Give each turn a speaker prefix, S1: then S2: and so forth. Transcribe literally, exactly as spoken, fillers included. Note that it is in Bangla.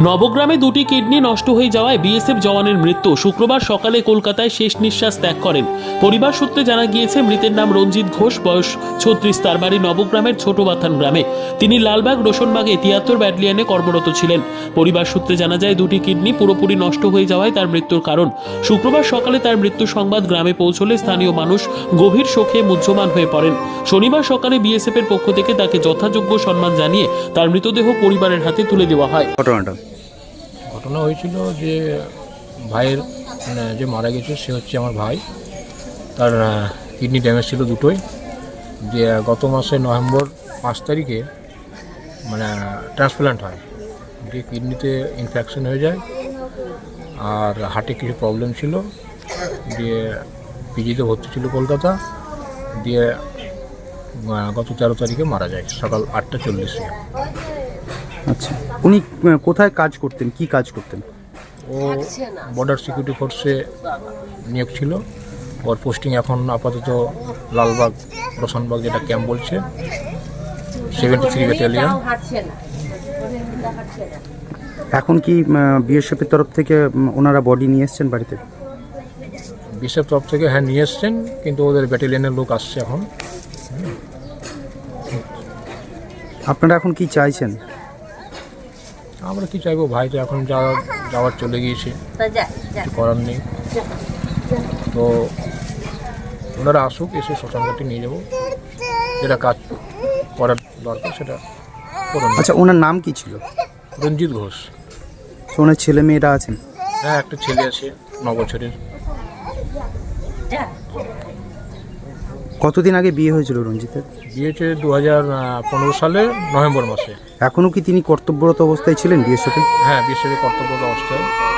S1: নবগ্রামে দুটি কিডনি নষ্ট হয়ে যাওয়ায় বিএসএফ জওয়ানের মৃত্যু। শুক্রবার সকালে কলকাতায় শেষ নিঃশ্বাস ত্যাগ করেন। পরিবার সূত্রে জানা গিয়েছে, মৃতের নাম রঞ্জিত ঘোষ, বয়স ছত্রিশ, তার বাড়ি নবগ্রামের ছোট বাথান গ্রামে। তিনি লালবাগ রোশনবাগে তিয়াত্তর ব্যাটালিয়নে কর্মরত ছিলেন। পরিবার সূত্রে জানা যায়, দুটি কিডনি পুরোপুরি নষ্ট হয়ে যাওয়ায় তার মৃত্যুর কারণ। শুক্রবার সকালে তার মৃত্যু সংবাদ গ্রামে পৌঁছলে স্থানীয় মানুষ গভীর শোকে মুহ্যমান হয়ে পড়েন। শনিবার সকালে বিএসএফ এর পক্ষ থেকে তাকে যথাযোগ্য সম্মান জানিয়ে তার মৃতদেহ পরিবারের হাতে তুলে দেওয়া হয়।
S2: ঘটনাটা
S3: ঘটনা হয়েছিল যে ভাইয়ের মানে যে মারা গেছে সে হচ্ছে আমার ভাই। তার কিডনি ড্যামেজ ছিল দুটোই। যে গত মাসে নভেম্বর পাঁচ তারিখে মানে ট্রান্সপ্লান্ট হয়। যে কিডনিতে ইনফেকশন হয়ে যায় আর হার্টে কিছু প্রবলেম ছিল, দিয়ে পিজিতে ভর্তি ছিল কলকাতা। দিয়ে গত তেরো তারিখে মারা যায় সকাল আটটা চল্লিশে।
S2: আচ্ছা, উনি কোথায় কাজ করতেন, কি কাজ করতেন?
S3: ও বর্ডার সিকিউরিটি ফোর্সে নিয়োগ ছিল। ওর পোস্টিং এখন আপাতত লালবাগ রোশনবাগ, যেটা ক্যাম্প বলছে, সেভেন্টি থ্রি ব্যাটালিয়ন।
S2: এখন কি বিএসএফের তরফ থেকে ওনারা বডি নিয়ে এসছেন বাড়িতে?
S3: বিএসএফ তরফ থেকে হ্যাঁ নিয়ে এসছেন, কিন্তু ওদের ব্যাটালিয়নের লোক আসছে এখন।
S2: আপনারা এখন কি চাইছেন?
S3: আমরা কি চাইবো, ভাই তো এখন যাওয়া যাওয়ার চলে গিয়েছে, কিছু করার নেই। তো ওনারা আসুক, এসে শ্মশানঘাটে নিয়ে যাবো, যেটা কাজ করার দরকার সেটা করুন।
S2: আচ্ছা, ওনার নাম কি ছিল?
S3: রঞ্জিত ঘোষ।
S2: ওনার ছেলে মেয়েরা আছেন?
S3: হ্যাঁ, একটা ছেলে আছে ন বছরের।
S2: কতদিন আগে বিয়ে হয়েছিল রঞ্জিতের?
S3: বিয়ে হয়েছে দু হাজার পনেরো সালে নভেম্বর মাসে।
S2: এখনও কি তিনি কর্তব্যরত অবস্থায় ছিলেন বিএসএফে?
S3: হ্যাঁ, বিএসএফে কর্তব্যরত অবস্থায়।